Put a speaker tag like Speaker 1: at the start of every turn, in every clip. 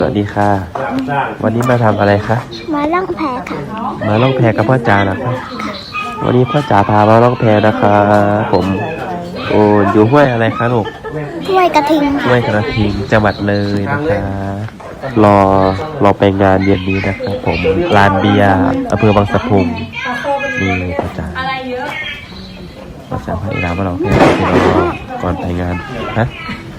Speaker 1: สวัสดีค่ะ วันนี้มาทำอะไรคะ
Speaker 2: มาล่องแพค่ะ
Speaker 1: มาล่องแพกับพ่อจ๋าเหรอคะวันนี้พ่อจ๋าพามาล่องแพนะคะผมโอ้อยู่ห้วยอะไรคะลูก
Speaker 2: ห้วยกระทิง
Speaker 1: ห้วยกระทิงจังหวัดเลยนะคะรอไปงานเย็นนี้นะครับผมลานเบียร์อำเภอบางสะพุงนี่พ่อจ๋าพ่อจ๋าพาอีหลานมาลองแพที่เราก่อนไปงานฮะ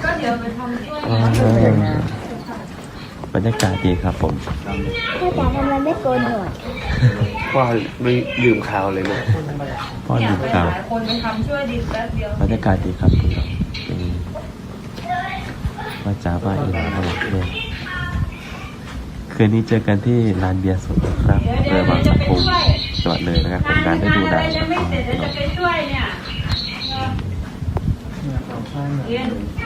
Speaker 1: บรรยากาศดีครับผม
Speaker 2: พ่อจ๋าทำไมไม่โกนหนวด
Speaker 3: พ่อไม่ลืมข่าวเลยนะ
Speaker 1: พ่อลืมข่าว
Speaker 4: คนไปทำช่วยดิแป๊บเดียว
Speaker 1: บรรยากาศดีครับคุณครับว่าจ้าว่าอีหลานเราเนี่ยคืนนี้เจอกันที่ลานเบียร์สดนะครับเรือบางสะพุงจังหวัดเลยนะครับเป็นการได้ดูได้
Speaker 4: ยังไม่เสร็จจะไปช่วยเนี่ยเรียน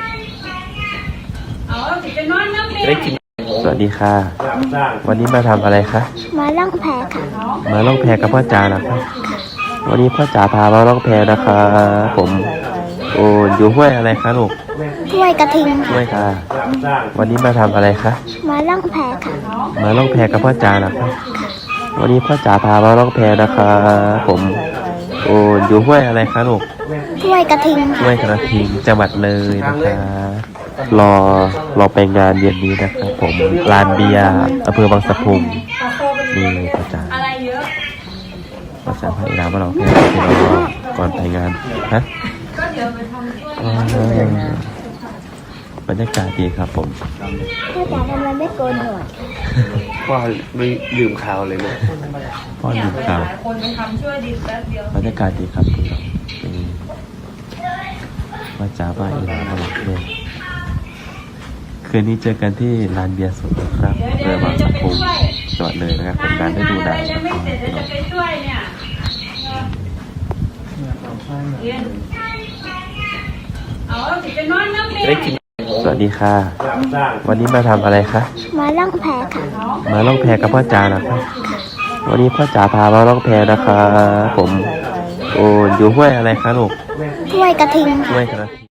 Speaker 4: เอาสิไปนอนน้ำเม
Speaker 3: จะได้กิน
Speaker 1: สวัสดีค่ะ วันนี้มาทำอะไรคะ
Speaker 2: มาล่องแพค่ะ
Speaker 1: มาล่องแพกับพ่อจ๋าเหรอคะวันนี้พ่อจ๋าพามาล่องแพนะคะผมโอ้อยู่ห้วยอะไรคะลูก
Speaker 2: ห้วยกระทิง
Speaker 1: ห้วยค่ะ วันนี้มาทำอะไรคะ
Speaker 2: มาล่องแพค่ะ
Speaker 1: มาล่องแพกับพ่อจ๋าเหรอคะวันนี้พ่อจ๋าพามาล่องแพนะคะผมโอ้อยู่ห้วยอะไรคะลูก
Speaker 2: ห้วยกระทิง
Speaker 1: ห้วยกระทิงจังหวัดเลยนะคะรอไปงานเย็นนี้นะครับผมลานเบียร์อำเภอบางสะพุงนี่พ่อจ๋า
Speaker 4: อะไรเยอะ
Speaker 1: พ่อจ๋าพาอีหลานมาลองแพที่เราก่อนไปงานฮะ
Speaker 4: ก็เดี๋ยวไปทำช่วย
Speaker 1: บรรยากาศดีครับผม
Speaker 2: พ่อจ๋าทำไมไม่โกนหนวด
Speaker 3: พ่อไม่ลืมข่าวเลยนะ
Speaker 1: พ่อลืมข่าว
Speaker 4: คนไปทำช่วยดิแป๊บเดียว
Speaker 1: บรรยากาศดีครับคุณครับว่าจ้าว่าอีหลานเราเนี่ยคืนนี้เจอกันที่ลานเบียร์สดนะครับเรือบางสะพุงจังหวัดเลยนะครับเป็นการได้ดูได้
Speaker 4: ยังไม่เสร็จจะไปช่วยเนี่ยเรียนเอาสิไปนอนน้ำเม
Speaker 3: จะได้กิน
Speaker 1: สวัสดีค่ะ วันนี้มาทำอะไรคะ
Speaker 2: มาล่องแพค่ะ
Speaker 1: มาล่องแพกับพ่อจ๋าเหรอคะวันนี้พ่อจ๋าพามาล่องแพนะคะผมโอ้อยู่ห้วยอะไรคะลูก
Speaker 2: ห้วยกระทิง
Speaker 1: ห้วยกระทิง